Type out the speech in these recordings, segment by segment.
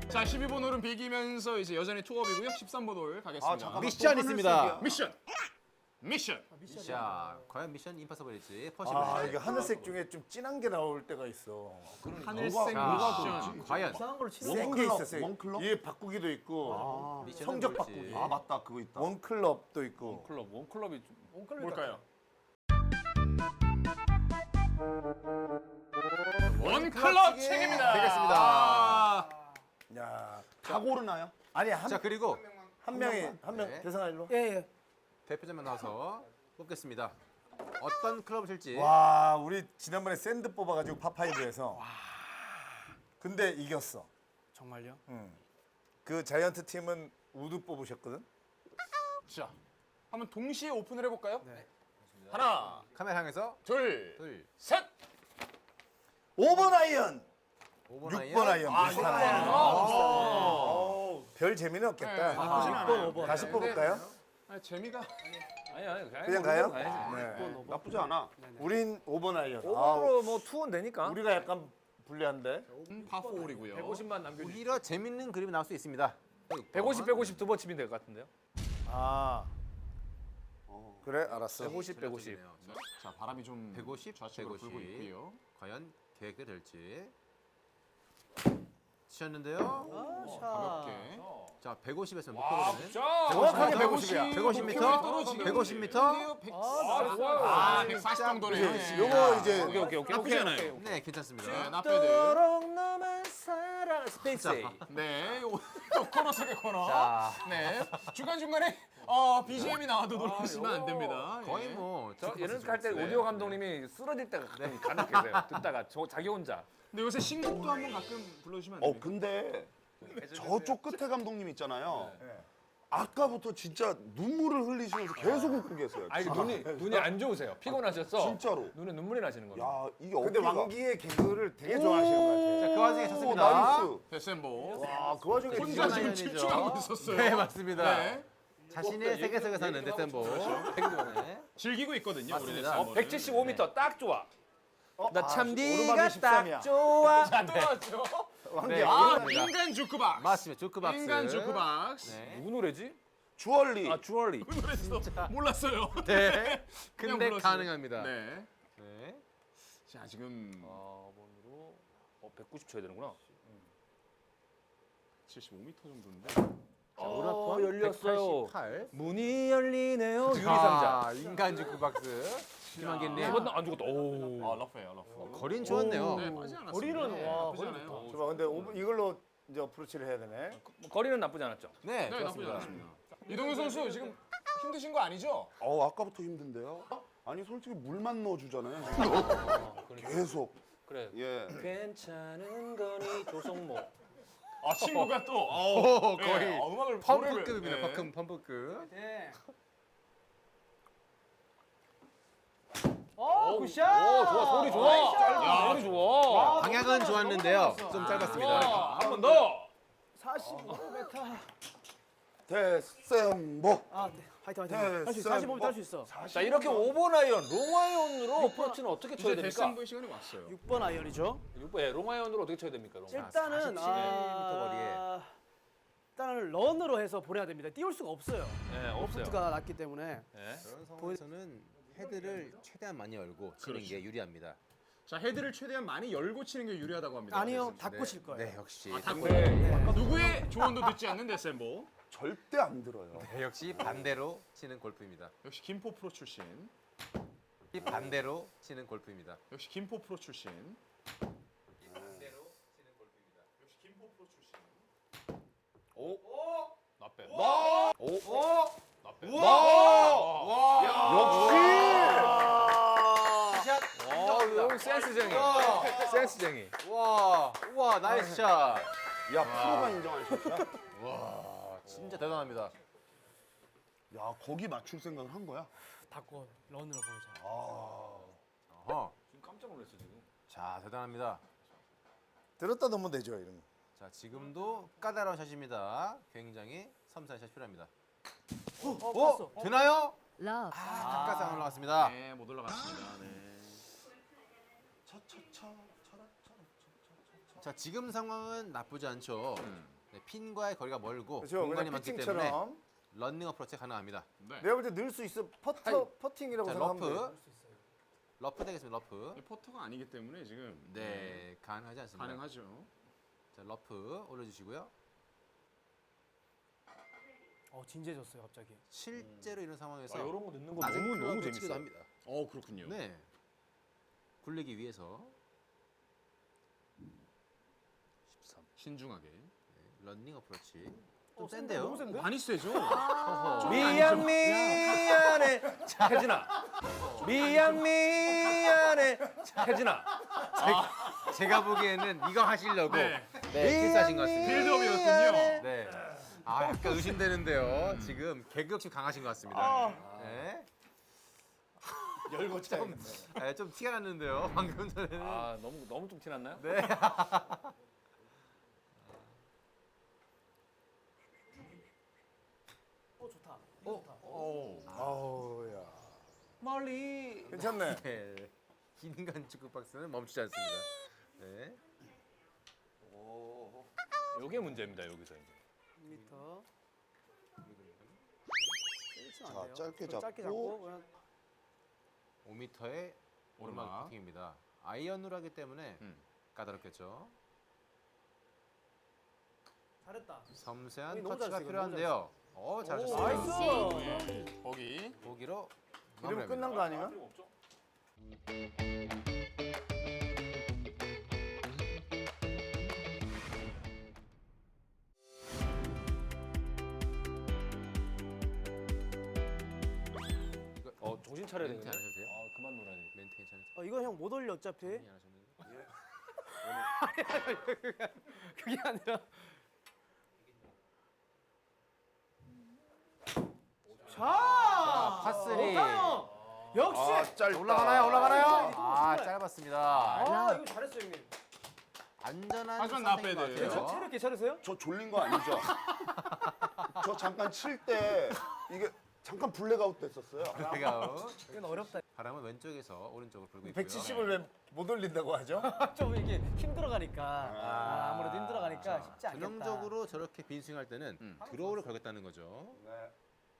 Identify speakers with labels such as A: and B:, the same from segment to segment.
A: 자, 12번 홀은 비기면서 이제 여전히 투업이고요. 13번 홀 가겠습니다.
B: 잠깐만.
C: 미션 있습니다.
A: 미션. 미션.
C: 자, 과연 미션 임파서블일지 퍼시블.
B: 아 이게 하늘색 중에 좀 진한 게 나올 때가 있어.
A: 하늘색
C: 자,
A: 미션.
C: 과연
B: 센 게 있어.
D: 원클럽?
B: 이게 바꾸기도 있고
C: 미션은
B: 성적
C: 뭘지.
B: 바꾸기.
D: 아 맞다 그거 있다.
B: 원클럽도 있고.
A: 원클럽이 뭘까요? 원클럽 책입니다.
C: 되겠습니다.
A: 아,
B: 야.
D: 다 고르나요?
B: 아니
C: 자, 그리고
B: 한 명이 한 명
C: 네.
B: 대상아 일로.
E: 예.
C: 대표자만 나와서 뽑겠습니다. 어떤 클럽을 칠지.
B: 와 우리 지난번에 샌드 뽑아가지고 파5에서. 근데 이겼어.
E: 정말요?
B: 그 자이언트 팀은 우드 뽑으셨거든.
A: 자, 한번 동시에 오픈을 해볼까요?
E: 네.
A: 하나,
C: 카메라 향해서
A: 둘,
C: 둘,
A: 셋.
B: 5번 아이언,
C: 5번
B: 6번 아이언 비슷한 아이언. 별 재미는 없겠다.
A: 나쁘진 않아요.
E: 6번, 5번.
B: 다시 뽑을까요?
A: 아니, 재미가
B: 그냥 가요?
A: 가야지.
B: 네.
D: 나쁘지 않아.
B: 우린 5번 아이언. 아,
F: 오버로 뭐 투원 되니까.
B: 우리가 약간 불리한데.
A: 파4홀이고요.
F: 150만 남겨주.
C: 오히려 재밌는 그림이 나올 수 있습니다.
F: 150, 150 두 번 치면 될 것 같은데요.
B: 아. 그래 알았어.
F: 150, 150.
A: 자, 바람이 좀
C: 150,
A: 좌측으로 불고
C: 150.
A: 있고요.
C: 과연 계획이 될지. 치셨는데요.
A: 가볍게.
C: 자, 150에서 목표거리는
B: 정확하게 150이야.
C: 150m,
A: 떨어지네요.
C: 150m.
A: 아, 140 정도네요. 예.
B: 요거 이제
F: 오케이.
A: 나쁘지 않아요.
C: 네, 괜찮습니다.
A: 네, 나빼드.
F: 너만 사랑 스페이스.
A: 네, 또 코너 속의 코너.
F: 자,
A: 네, 중간 중간에 BGM이 나와도 놀라시면 안 됩니다.
C: 거의
A: 예.
C: 뭐
F: 저 예능 할때
A: 네.
F: 오디오 감독님이 쓰러질 때가 가끔 간혹 계세요. 듣다가 자기 혼자.
A: 근데 요새 신곡도 한번 가끔 불러주시면 안 됩니까?
D: 근데 저쪽 끝에 감독님 있잖아요. 아까부터 진짜 눈물을 흘리시면서 계속 웃고 계세요.
F: 아니 눈이 안 좋으세요. 피곤하셔서.
D: 진짜로.
F: 눈에 눈물이 나시는 거예요.
D: 야 이게
B: 근데
D: 어깨가.
B: 왕기의 개그를 되게 좋아하시는 것
C: 자, 그 와중에
D: 오,
C: 쳤습니다.
D: 나이스.
A: 데센보.
B: 같아. 와, 그 와중에
A: 혼자 지금
C: 아이언이죠.
A: 집중하고 있었어요.
C: 네, 맞습니다.
A: 네.
C: 자신의 세계속에 사는 데센보. 네.
A: 즐기고 있거든요, 우리
C: 맞습니다.
A: 데센보를.
F: 175m 딱 좋아. 나 참
B: 오르막이
F: 네가
B: 13이야.
F: 딱 좋아.
A: 또 왔죠?
C: 네,
A: 아,
C: 그렇습니다.
A: 인간 주크박스.
C: 맞습니다. 주크박스.
A: 인간 주크박스.
C: 네.
F: 누구 노래지?
D: 주얼리.
F: 아 주얼리.
A: 그 노래도 몰랐어요.
C: 네.
A: 그냥
C: 근데
A: 불렀어요.
C: 가능합니다.
A: 네.
C: 네.
A: 자, 지금
F: 4번으로 190 쳐야 되는구나.
A: 75m 정도인데.
F: 열렸어요.
C: 188.
F: 문이 열리네요. 유리상자.
C: 자, 인간 주크박스. 김한길님.
F: 이번 안 죽었다. 오.
A: 러프예요, 러프.
C: 거리는 좋았네요.
A: 네, 빠지 않았어요.
F: 거리는 와,
A: 나쁘지 않아요.
B: 좋아. 근데 이걸로 이제 어프로치를 해야 되네.
F: 거리는 나쁘지 않았죠.
C: 네,
A: 네, 나쁘지
C: 좋았습니다.
A: 않았습니다. 이동현 선수 지금 힘드신 거 아니죠?
D: 아까부터 힘든데요. 아니 솔직히 물만 넣어주잖아요. 계속.
F: 그래.
D: 예.
F: 괜찮은 거니 조성모.
A: 아, 친구가 또
C: 오, 거의
A: 음악을
C: 펌프급입니다.
A: 네.
C: 펌프급.
E: 네.
F: 오, 좋아. 소리 좋아. 소리 좋아.
C: 방향은 좋았는데요. 좀 짧았습니다.
F: 한 번 더.
E: 45m.
D: 데센보.
E: 아, 네. 화이팅. 할 수 있어. 45m 할 수 있어.
F: 자, 이렇게 5번 아이언, 롱아이언으로 어프로치는 어떻게 쳐야
A: 이제
F: 됩니까?
A: 데센보의 시간이 왔어요.
E: 6번 아이언이죠.
F: 롱아이언으로 어떻게 쳐야 됩니까? 롱아이언?
E: 일단은
C: 47m 거리에.
E: 일단은 런으로 해서 보내야 됩니다. 띄울 수가 없어요.
F: 네, 없어요.
E: 가 낮기 때문에.
F: 네.
C: 그런 상황에서는 헤드를 최대한 많이 열고 치는 게 유리합니다.
A: 자, 헤드를 최대한 많이 열고 치는 게 유리하다고 합니다.
E: 아니요,
A: 데센보.
E: 닫고 칠 거예요.
C: 네, 역시.
A: 닫고.
F: 네.
A: 누구의 조언도 듣지 않는 데센보.
D: 절대 안 들어요.
C: 네, 역시 반대로 치는 골프입니다.
A: 역시 김포 프로 출신.
C: 이 반대로 치는 골프입니다.
A: 역시 김포 프로 출신.
C: 반대로 치는 골프입니다.
A: 역시 김포 프로 출신.
F: 나빼. 여기 센스쟁이. 센스쟁이.
C: 와, 우와, 나이스 샷.
D: 야 프로가 인정한 샷이야.
C: 와, 진짜 대단합니다.
D: 야 거기 맞출 생각을 한 거야?
E: 닫고 런으로 보내자.
C: 어허.
F: 지금 깜짝 놀랐어 지금.
C: 자, 대단합니다.
B: 들었다 놓으면 되죠, 이런 거.
C: 자, 지금도 까다로운 샷입니다. 굉장히 섬세한 샷이 필요합니다.
E: 어,
C: 되나요?
G: 러브.
C: 가까이 올라갔습니다.
A: 네, 못 올라갔습니다. 네.
C: 자, 지금 상황은 나쁘지 않죠. 네, 핀과의 거리가 멀고
B: 그렇죠.
C: 공간이
B: 그냥
C: 많기 때문에
B: 피칭처럼.
C: 런닝 어프로치 가능합니다.
A: 네.
B: 내가 볼 때 넣을 수 있어. 퍼팅이라고
C: 자,
B: 생각하면 돼.
C: 러프 되겠습니다. 러프.
A: 퍼터가 아니기 때문에 지금
C: 네, 가능하지 않습니다.
A: 가능하죠.
C: 자, 러프 올려주시고요.
E: 진지해졌어요 갑자기.
C: 실제로 이런 상황에서
F: 이런 거 넣는 거
C: 낮은
F: 너무
C: 클럽을
F: 재밌어요.
C: 치기도 합니다.
A: 그렇군요.
C: 네. 굴리기 위해서
F: 13.
A: 신중하게.
C: 런닝 어프로치. 좀
E: 센데?
C: 센데요?
E: 너무 센데?
A: 많이 세죠?
E: 미안 미안해
F: 혜진아.
E: 미안해
F: 혜진아.
C: 제가 보기에는 이거 하시려고
A: 네.
C: 필사하신 것 같습니다.
A: 빌드업이었군요.
C: 네. 아, 약간 의심되는데요. 지금 개그 욕심 강하신 것 같습니다. 네.
B: 열고 짜.
C: 네, 좀 티가 났는데요. 방금 전에는.
F: 아 너무 좀 티났나요?
C: 네.
E: 좋다. 이거 좋다.
B: 아우야.
E: 멀리.
B: 괜찮네.
C: 네. 인간 축구 박스는 멈추지 않습니다. 네.
F: 요게 문제입니다 여기서 이제.
E: 1m.
D: 자, 짧게
E: 짧게
D: 잡고.
E: 잡고 그냥
C: 5m의 오르막
A: 오르막.
C: 퍼팅입니다. 아이언으로 하기 때문에 까다롭겠죠.
E: 잘했다.
C: 섬세한
E: 너무
C: 터치가
E: 잘했어요,
C: 필요한데요. 잘하셨습니다.
E: 나이스.
A: 거기.
C: 보기로
B: 이러면
C: 마무리합니다.
B: 끝난 거 아닌가?
F: 정신 차려야
C: 멘트
F: 되는데.
C: 안 하셔도 돼요?
F: 아 그만 놀아야 돼.
C: 멘트 괜찮으세요?
E: 이거 형 못 올려 어차피.
C: 정리 안 하셨는데?
E: 그게 아니라. 자,
C: 파3.
E: 형. 역시.
D: 아, 짧다.
C: 올라가나요? 아,
E: 정말.
C: 짧았습니다.
E: 아, 이거 잘했어요 형님.
C: 안전한
A: 하지만
C: 선택인 것
A: 나빼드.
C: 같아요.
E: 체력 괜찮으세요?
D: 저 졸린 거 아니죠? 저 잠깐 칠 때 이게 잠깐 블랙아웃 됐었어요.
C: 블랙아웃.
E: 이건 어렵다.
C: 바람은 왼쪽에서 오른쪽으로 불고 있고요.
B: 170을 왜 못 올린다고 하죠?
E: 좀 이게 힘들어가니까. 아무래도 힘들어가니까 쉽지 않겠다.
C: 전형적으로 저렇게 빈스윙할 때는 드로우를 걸겠다는 거죠.
D: 네.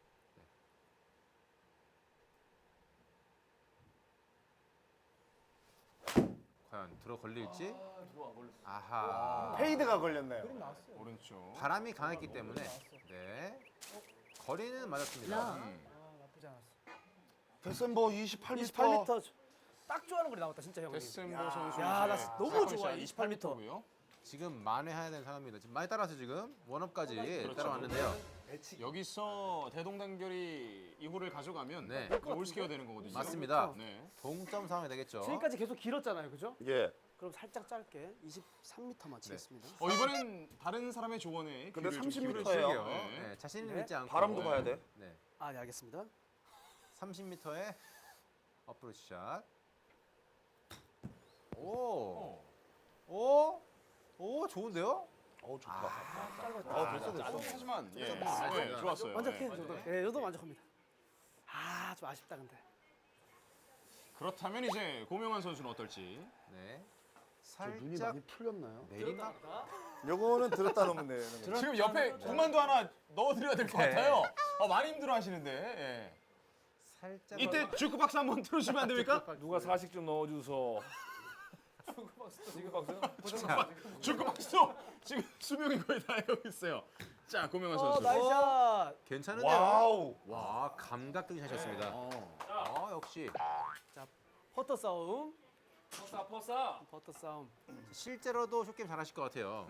C: 과연 들어 걸릴지? 아하.
B: 페이드가 걸렸네요.
A: 오른쪽.
C: 바람이 강했기 때문에 네. 거리는 맞았습니다.
E: 나쁘지 않았어.
D: 데센버 28m.
E: 28m. 딱 좋아하는 거리 나왔다 진짜 형님.
A: 데센버 선수.
E: 야, 나 너무 좋아,
A: 28m고요.
C: 지금 만회해야 되는 상황입니다. 지금 많이 따라서 지금 원업까지
A: 그렇죠.
C: 따라왔는데요.
A: 여기서 대동단결이 이 홀을 가져가면
C: 네.
A: 올스케어 되는 거거든요.
C: 맞습니다.
A: 네.
C: 동점 상황이 되겠죠.
E: 지금까지 계속 길었잖아요, 그죠?
D: 예.
E: 그럼 살짝 짧게 23m만 치겠습니다.
A: 이번엔 다른 사람의 조언에
D: 근데
A: 귀를 좀
D: 30m 예요.
A: 기울여주세요.
C: 네, 자신을
E: 네.
C: 믿지 않고
D: 바람도 봐야 돼.
C: 네.
E: 아, 네, 알겠습니다.
C: 30m의 어프로치 샷. 오. 오. 오, 좋은데요?
D: 좋다.
A: 하지만 예,
C: 됐습니다.
A: 좋았어요.
E: 만족해,
A: 네.
E: 저도. 예, 저도 만족합니다. 아, 좀 아쉽다 근데.
A: 그렇다면 이제 고명환 선수는 어떨지.
C: 네.
D: 저 눈이
C: 살짝
D: 많이 풀렸나요?
C: 내리막.
B: 요거는 들었다 놓으면 돼요.
A: 지금 옆에 공만도 하나 넣어드려야 될 것
C: 네.
A: 같아요. 많이 힘들어하시는데. 예.
C: 살짝
A: 이때 주크박스 한번 틀어주시면 안 됩니까?
F: 누가 사식 좀 넣어주소.
A: 주크박스도 지금 수명이 거의 다 여기 있어요. 자, 고명환 선수.
E: 나이스 샷.
C: 괜찮은데요?
D: 와우.
C: 와, 감각적인 샷이었습니다. 역시
E: 퍼터 싸움.
F: 퍼사.
E: 퍼터 싸움.
C: 실제로도 숏게임 잘하실 것 같아요.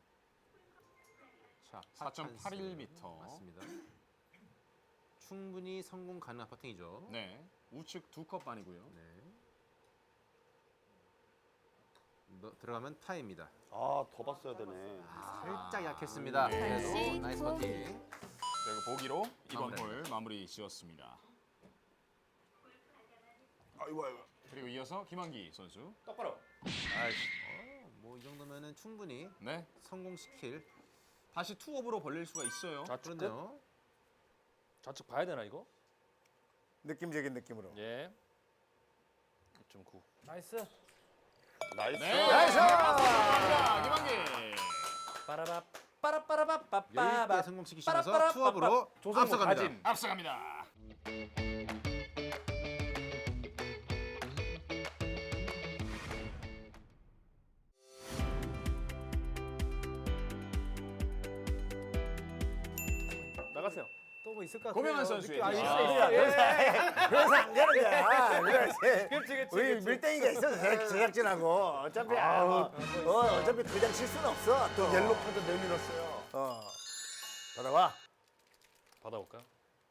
C: 자,
A: 4.81m.
C: 맞습니다. 충분히 성공 가능한 퍼팅이죠.
A: 네. 우측 2컵 반이고요.
C: 네. 들어가면 파입니다.
D: 더 봤어야 되네.
C: 살짝 약했습니다. 그래도 나이스 퍼팅.
A: 그리고 보기로 이번
C: 마무리.
A: 홀 마무리 지었습니다.
D: 아이고.
A: 그리고 이어서 김한기 선수.
F: 똑바로.
C: 뭐 이 정도면은 충분히
A: 네.
C: 성공시킬
A: 다시 투업으로 벌릴 수가 있어요.
F: 좌측 끝.
C: 그렇네요.
F: 좌측 봐야 되나 이거?
B: 느낌적인 느낌으로.
F: 예. 2.9.
E: 나이스.
D: 나이스.
A: 네. 나이스. 감사합니다. 김한기.
F: 빠라랍.
C: 여유있게 성공시키시면서 투업으로 앞서갑니다.
A: 앞서갑니다.
E: 나갔어요. 또 뭐 있을까?
A: 고명환 선수의
E: 아,
A: 디시.
E: 있어.
B: 그래서 안 가는 거야. 그래.
E: 그렇지,
B: 우리 밀땡이가 있어서 제작진하고 어차피 어차피 그냥 칠 수는 없어. 또 옐로 카드 내밀었어요. 받아봐.
F: 받아볼까요?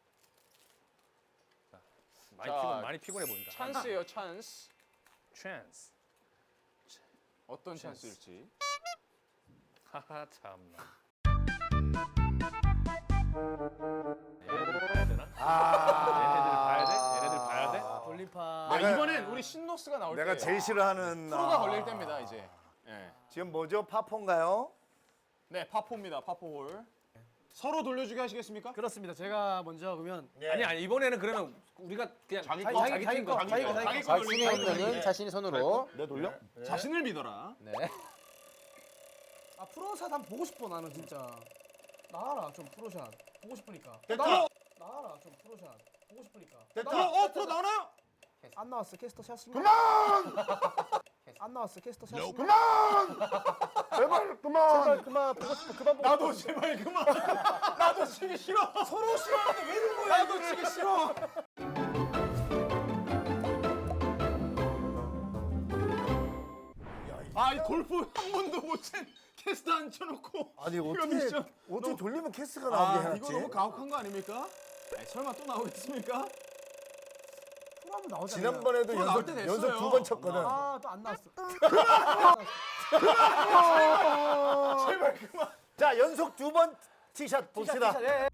A: 자,
F: 많이 피곤해 보인다.
A: 찬스예요, 찬스.
F: 찬스.
A: 어떤 찬스일지.
F: 하하 참나. 얘네들 봐야 되나? 얘네들 봐야 돼? 얘네들 봐야 돼?
E: 돌림판.
A: 아, 이번엔 우리 신노스가 나올
B: 내가
A: 때예요.
B: 제일 싫어하는
A: 프로가 걸릴 때입니다, 이제. 예.
B: 지금 뭐죠? 파폰가요?
A: 네, 파포입니다. 파포홀. 서로 돌려주게 하시겠습니까?
E: 그렇습니다. 제가 먼저 그러면
F: 아니 이번에는 그러면 우리가 그냥
D: 자기
E: 자기
D: 거,
E: 자기 자기 거 자기 거 자기 거.
C: 자신의 운명은 자신이 손으로.
D: 내 돌려?
A: 자신을 믿어라.
C: 네.
E: 아 프로샷 한번 보고 싶어 나는 진짜. 나와라 좀 프로샷 보고 싶으니까.
B: 됐다.
E: 나와라 좀 프로샷 보고 싶으니까.
B: 됐다.
A: 프로 나오나요?
E: 안 나왔어 캐스터 샷.
B: 그만!
E: 안 나왔어 캐스터 샷.
B: 그만! 제발 그만!
E: 제발 그만 보고 싶어 그만 보고
A: 나도 제발 그만. 나도 치기 싫어. 서로 싫어하는데 왜 그런 거야? 나도 치기 싫어. 아, 이 골프 한 번도 못 친 캐스트 앉혀놓고.
B: 아니
A: 이거
B: 어떻게
A: 미션.
B: 돌리면 캐스가 나오게
A: 아,
B: 해놨지?
A: 이거 너무 가혹한 거 아닙니까? 아니, 설마 또 나오겠습니까?
E: 프로 한번 나오잖아.
B: 지난번에도
A: 나올
B: 연속
A: 때 됐어요.
B: 연속 2번 쳤거든.
E: 아또 안 나왔어.
A: 제발 그만.
B: 자 연속 2번 티샷 봅시다.
E: 티샷, 예, 예.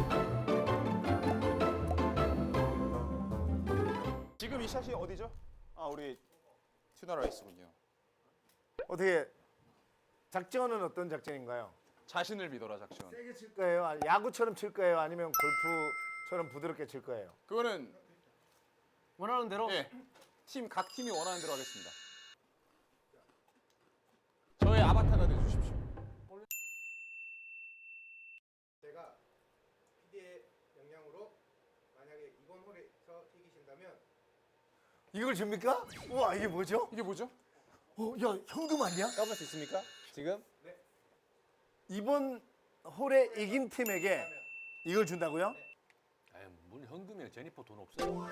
A: 지금 이 샷이 어디죠? 아, 우리 튜너라이스군요.
B: 어떻게 작전은 어떤 작전인가요?
A: 자신을 믿어라 작전.
B: 세게 칠 거예요? 아니, 야구처럼 칠 거예요? 아니면 골프처럼 부드럽게 칠 거예요?
A: 그거는
E: 원하는 대로.
A: 예, 각 팀이 원하는 대로 하겠습니다. 저의 아바타가 돼 주십시오.
G: 제가 PD의 명령으로 만약에 이번 홀에서 이기신다면
B: 이걸 줍니까? 우와 이게 뭐죠?
A: 이게 뭐죠?
B: 야 현금 아니야?
C: 까볼 수 있습니까? 지금?
B: 이번 홀에 이긴 팀에게 이걸 준다고요?
F: 에이, 뭘 현금이야. 제니퍼 돈 없어요.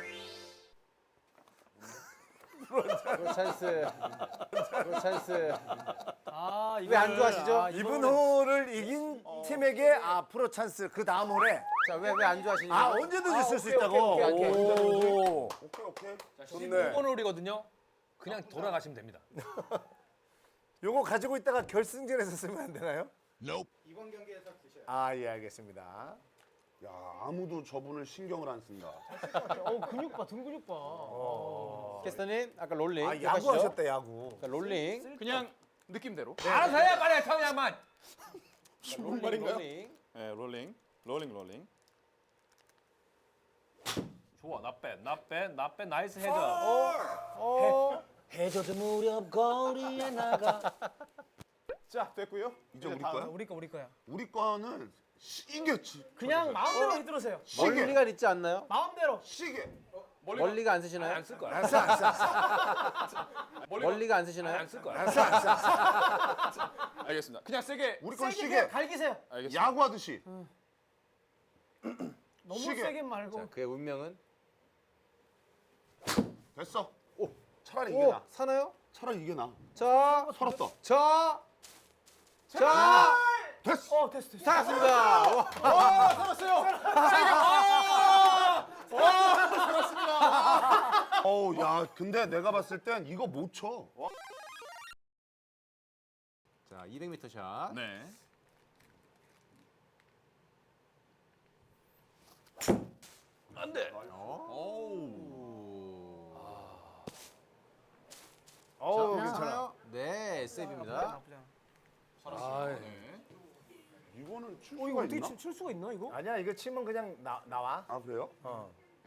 C: 프로 찬스. 프로 찬스.
E: 아
C: 왜 안 좋아하시죠?
B: 이번 홀을 이긴 팀에게 프로 찬스 그 다음 홀에
C: 자, 왜 안 좋아하시죠?
B: 언제든지 쓸 수
C: 오케이,
B: 있다고.
C: 오케이, 오케이, 오케이.
B: 오.
D: 오케이.
B: 좋네.
F: 15번 홀이거든요. 그냥 돌아가시면 됩니다.
B: 요거 가지고 있다가 결승전에서 쓰면 안 되나요?
G: 이번 경기에서 드셔요.
B: 예 알겠습니다.
D: 야 아무도 저분을 신경을 안 쓴다.
E: 근육 봐, 등 근육 봐.
C: 캐스터님, 아까 롤링.
B: 야구
C: 기억하시죠?
B: 하셨다 야구.
C: 자, 롤링.
A: 그냥 느낌대로.
F: 알아서 해야 말이야, 청양만.
A: 무슨 말인가요?
C: 롤링.
A: 네, 롤링.
F: 좋아, 나빼, 나이스 헤더.
C: 해저드 무렵 거리에 나가.
A: 자, 됐고요.
D: 이제 우리 거야?
E: 우리 거야.
D: 우리 거는 시게 치.
E: 그냥 마음대로 휘두르세요.
C: 멀리가 있지 않나요?
E: 마음대로.
D: 시게.
C: 멀리가 안 쓰시나요?
F: 안 쓸 거야.
B: 안
C: 멀리가 안 쓰시나요?
F: 안 쓸 거야.
A: 알겠습니다. 그냥 세게.
D: 우리 건
E: 세게
D: 시게.
E: 그냥 갈기세요.
A: 알겠습니다.
D: 야구하듯이.
E: 너무
D: 시계.
E: 세게 말고.
C: 자, 그의 운명은?
D: 됐어. 오. 차라리 이게 나.
C: 사나요?
D: 차라리 이게 나.
C: 자,
D: 살았다.
C: 자,
D: 됐어.
E: 됐어.
C: 살았습니다. 와.
D: 어우 야 근데 내가 봤을 땐 이거 못 쳐.
C: 자, 200m 샷.
A: 네.
F: 안 돼.
B: 괜찮아.
C: 네, 세이브입니다.
E: 나쁘지 않아.
A: 네.
D: 이거는 출
E: 이거
D: 수가
E: 어떻게
D: 있나?
E: 칠 수가 있나 이거?
B: 아니야 이거 치면 그냥 나와.
D: 아 그래요?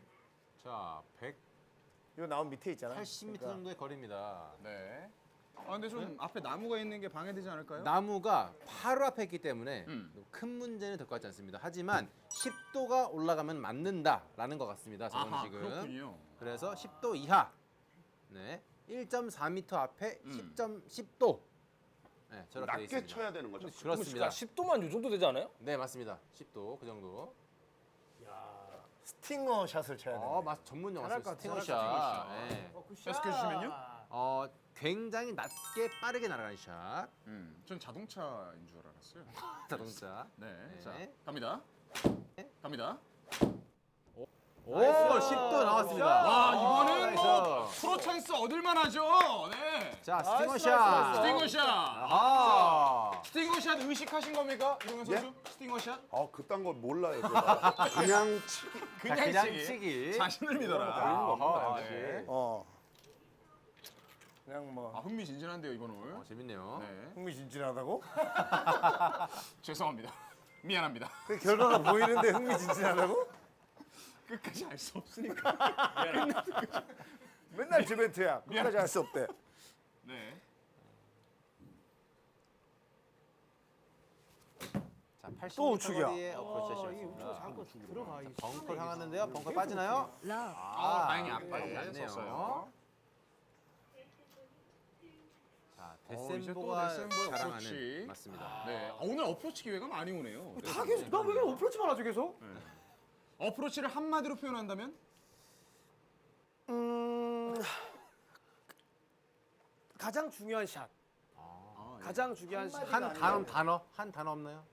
C: 자,
B: 이거 나온 밑에 있잖아.
C: 180m 정도의 거리입니다.
A: 네. 근데 좀 앞에 나무가 있는 게 방해되지 않을까요?
C: 나무가 바로 앞에 있기 때문에
A: 음.
C: 큰 문제는 될 것 같지 않습니다. 하지만 10도가 올라가면 맞는다라는 것 같습니다. 저는
A: 아하,
C: 지금.
A: 그렇군요.
C: 그래서 10도 이하. 네. 1.4m 앞에 10도. 네, 저렇게 돼
D: 낮게
C: 있습니다.
D: 쳐야 되는 거죠.
C: 그렇습니다.
F: 10도만 요 정도 되지 않아요?
C: 네, 맞습니다. 10도 그 정도.
B: 스팅어 샷을 쳐야 돼.
C: 맞 전문 영화
E: 잘할 것
C: 스팅어
E: 같아,
C: 샷.
A: 스팅어 샷.
C: 네.
A: 계속해 주시면요.
C: 굉장히 낮게 빠르게 날아가는 샷.
A: 전 자동차인 줄 알았어요.
C: 자동차.
A: 네.
C: 네.
A: 자, 갑니다. 갑니다.
C: 오, 10도 나왔습니다.
A: 와, 이거는 뭐
C: 나이스.
A: 프로 찬스 얻을 만하죠. 네.
C: 자, 스팅어 샷.
A: 스팅어 샷.
C: 아.
A: 스팅어 샷 의식하신 겁니까? 이동현 선수? 스팅어 샷?
D: 그딴 걸 몰라요. 제가. 그냥 치기.
A: 그냥,
C: 그냥
A: 치기.
C: 치기.
A: 자신을 믿어라.
C: 아하,
A: 네.
B: 그냥 뭐
A: 흥미진진한데요, 이번 홀.
C: 재밌네요.
A: 네.
B: 흥미진진하다고?
A: 죄송합니다. 미안합니다.
B: 그 결과가 보이는데 흥미진진하다고?
A: 끝까지 알 수 없으니까.
B: 맨날 주벤트야. 끝까지 할 수 없대.
A: 네.
C: 자, 80m
B: 또 우측이야.
C: 거리의 어프로치
E: 이게
C: 샷이었습니다.
E: 우측 자꾸 들어가. 이
C: 벙커 향하는데요. 벙커 빠지나요?
A: 다행히 안
C: 네,
A: 빠졌네요.
C: 자,
A: 이제 또
C: 데센보가
A: 데센보의
C: 자랑하는
A: 어프로치.
C: 맞습니다.
A: 네. 오늘 어프로치 기회가 많이 오네요.
E: 다 계속 나왜 이렇게 어프로치만 하죠 계속?
A: 어프로치를 한마디로 표현한다면?
E: 가장 중요한 샷. 가장 중요한 샷.
C: 한 단어 없나요?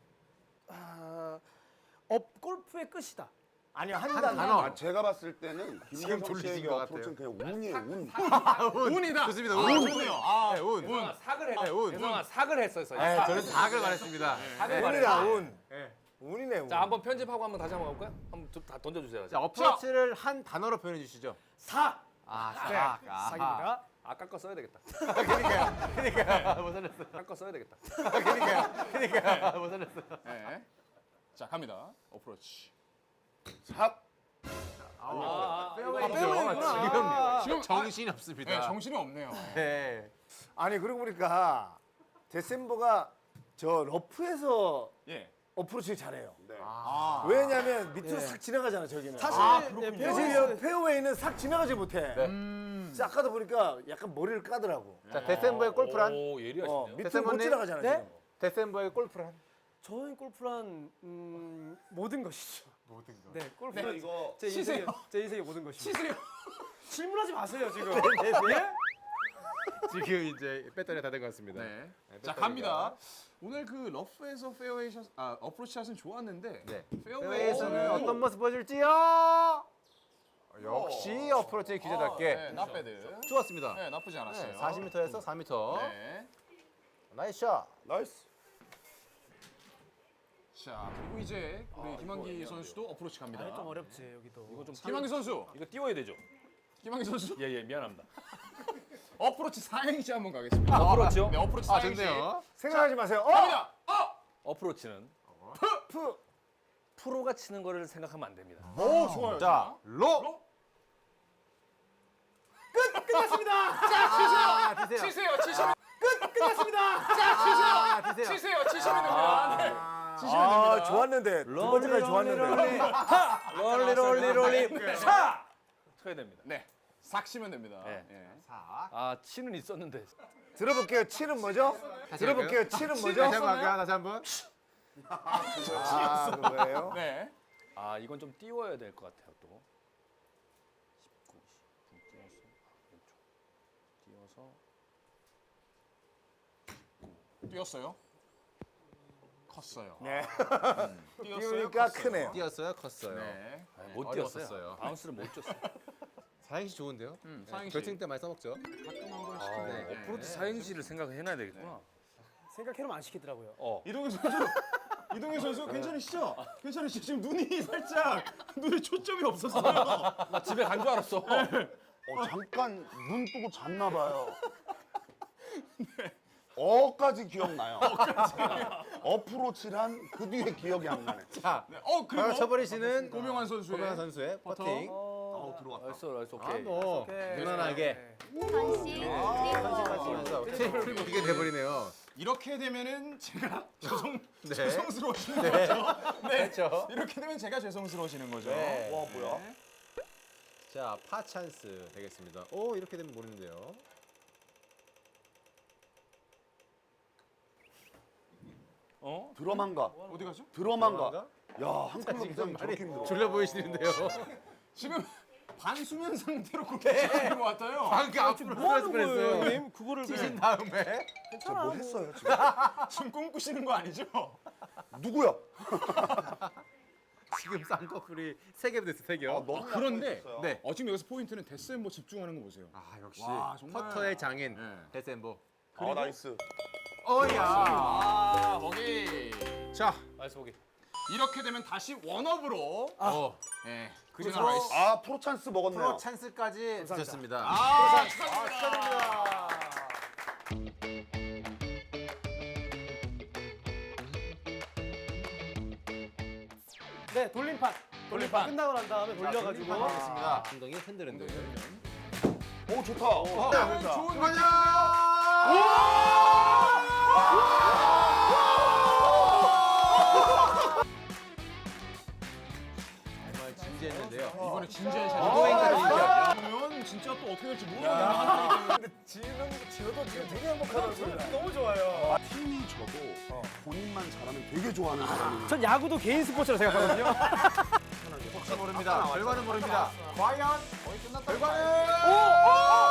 E: 골프의 끝이다.
B: 아니요, 한
C: 한
B: 단어.
C: 단어.
D: 제가 봤을 때는
C: 지금
D: 김경선
C: 졸리신
D: 씨의
C: 것
D: 어프로치는 그냥 운이에요. 운.
A: 운이다.
C: 좋습니다.
A: 아,
C: 운.
A: 좋네요.
C: 네, 운.
F: 운. 사글
C: 네, 운.
F: 대성아 사글 했었어요.
C: 네, 저는 4을 말했습니다.
B: 운이다, 운. 운이네, 운.
F: 자, 한번 편집하고 한번 다시 한번 가볼까요? 한번 다 던져주세요.
C: 자, 어프로치를 한 단어로 표현해 주시죠.
E: 사.
C: 아,
E: 사기입니다.
F: 아까 거 써야 되겠다.
C: 그러니까 못 살렸어.
F: 아까 거 써야 되겠다.
C: 그러니까 못 살렸어.
A: 네. 자, 갑니다. 어프로치.
D: 삽.
E: 페어웨이구나.
C: 지금 정신이 없습니다.
A: 네, 정신이 없네요.
C: 네.
B: 아니, 그러고 보니까 데센보가 저 러프에서
A: 예.
B: 어프로치를 잘해요.
D: 네.
B: 왜냐면 밑으로 싹 지나가잖아, 저기는.
E: 사실
B: 그래서 페어웨이는 싹 지나가지 못해.
C: 네.
B: 그래서 아까도 보니까 약간 머리를 까더라고.
C: 자, 데센보의 골프란?
F: 오, 예리하시네요.
B: 밑으로 못
C: 데센보님?
B: 지나가잖아,
E: 네?
B: 지금.
C: 데센보의 골프란?
E: 저희 골프란 모든 것이죠.
C: 모든 거.
E: 네, 골프는
D: 이거
E: 제 인생의 모든 것입니다.
A: 치세요.
E: 질문하지 마세요 지금.
C: 예? 지금 이제 배터리가 다 된 것 같습니다.
A: 네.
C: 네,
A: 자,
C: 배터리가.
A: 갑니다. 오늘 그 러프에서 페어웨이 샷, 어프로치 샷은 좋았는데
C: 네.
A: 페어웨이에서는
C: 페어웨이에서는 어떤 모습 보여줄지요? 역시 어프로치의 기자답게
A: 네, 나빼드.
C: 좋았습니다.
A: 네, 나쁘지 않았어요.
C: 40m에서 4m.
A: 네.
C: 나이스 샷.
D: 나이스.
A: 자, 그리고 이제 우리 김한기 선수도 어프로치 갑니다.
E: 좀 어렵지 여기도.
F: 이거 좀
A: 김한기 선수.
F: 이거 띄워야 되죠?
A: 김한기 선수.
F: 예, 미안합니다.
A: 어프로치 4행시 한번 가겠습니다.
F: 어프로치요?
A: 네, 어프로치
C: 아,
A: 4행시.
C: 좋네요.
B: 생각하지 마세요.
A: 갑니다.
F: 어프로치는 프로가 치는 거를 생각하면 안 됩니다.
A: 오, 좋아요.
C: 자, 로.
A: 자,
C: 아,
A: 치세요.
C: 드세요.
A: 치세요.
E: 끝났습니다.
A: 자,
C: 아, 드세요.
A: 치세요. 치시면 됩니다. 네. 치시면
B: 아,
A: 됩니다.
B: 좋았는데. 두 번째까지 좋았는데.
F: 롤리 차 쳐야 됩니다.
A: 네. 삭 치면 됩니다.
F: 네.
A: 예.
C: 자,
F: 아, 치는 있었는데.
B: 들어볼게요. 치는 뭐죠? 들어볼게요. 치는 뭐죠?
C: 다시 한번 할까요? 다시 한번.
B: 아, 그거예요?
A: 네.
F: 아, 이건 좀 띄워야 될 것 같아요, 또. 19, 20 띄워서 왼쪽.
A: 뛰었어요. 컸어요.
B: 네.
A: 뛰었어요.
B: 띄우니까
A: 컸어요.
B: 크네요.
C: 뛰었어요, 컸어요.
A: 네.
F: 못
C: 어려웠었어요.
F: 뛰었어요. 바운스를 못 줬어요.
C: 사행시 좋은데요?
A: 사행시.
C: 결승 때 많이 써먹죠.
A: 가끔 한 번씩.
F: 아,
A: 네.
F: 어프로치 사행시를 생각해놔야 되겠구나.
E: 생각해놓으면 안 시키더라고요.
A: 이동현 선수. 이동현 선수 괜찮으시죠? 괜찮으시죠? 지금 눈이 살짝 눈에 초점이 없었어요.
F: 나 집에 간 줄 알았어.
D: 잠깐 눈 뜨고 잤나 봐요. 어까지 기억나요. 어프로치란 그 뒤에 기억이 안 나네.
C: 자,
A: 네. 그리고
C: 바로 쳐버리시는
A: 고명환 선수의
C: 고명환 선수의
A: 퍼터.
C: 퍼팅.
D: 들어왔다.
F: 나이스,
C: 아,
F: 오케이.
C: 뭐 무난하게
H: 선씨
C: 하시면서 테이블 보게 돼버리네요.
A: 이렇게 되면은 제가
C: 네.
A: 죄송스러워지는 거죠. 네.
C: 그렇죠.
A: 이렇게 되면 제가 죄송스러워지는 거죠.
C: 네.
D: 와 뭐야?
C: 자, 파 찬스 되겠습니다. 오, 이렇게 되면 모르는데요.
D: 드럼한가?
A: 어디 가죠?
D: 드럼한가? 야한 클럽
C: 지금
D: 이상
C: 많이
D: 저렇게 힘들어.
C: 졸려 보이시는데요.
A: 지금 반수면 상태로 그렇게 하는 것 같아요.
C: 방금 앞으로
E: 뭐 하는
C: 뻔했어요.
E: 거예요, 형님? 그거를
C: 치신 다음에
E: 괜찮아.
D: 뭐 했어요 지금?
A: 지금 꿈꾸시는 거 아니죠?
D: 누구야?
C: 지금 쌍꺼풀이 3개 됐어, 3개.
D: 너무
A: 그런데
D: 약했어요.
C: 네.
A: 지금 여기서 포인트는 데스엠버 집중하는 거 보세요.
C: 아, 역시
A: 와, 정말.
C: 퍼터의 장인
A: 네.
C: 데센보.
D: 아 나이스.
C: 어야.
A: 아, 거기.
C: 자,
F: 나이스 보기.
A: 이렇게 되면 다시 원업으로. 네. 그저
C: 프로-
A: 나이스.
D: 아 프로 찬스 먹었네요.
C: 프로 찬스까지 주셨습니다.
A: 아, 축하드립니다.
E: 네, 돌림판.
A: 돌림판.
E: 끝나고 난 다음에 돌려가지고.
C: 하겠습니다. 엉덩이 흔들흔들.
D: 오 좋다.
A: 네, 좋은 거냐?
C: 정말 진지했는데요.
A: 이번에 진지한
C: 유도행까지 진짜.
A: 그러면 진짜 또 어떻게 될지 모르겠네요. 한 판이기 때문에.
B: 지어도 지금 되게 행복하다고 소리가 너무 좋아요.
D: 팀이 져도 본인만 잘하면 되게 좋아하는 사람이.
E: 전 야구도 개인 스포츠라 생각하거든요.
C: 혹시 모릅니다. 결과는 모릅니다. 과연 결과는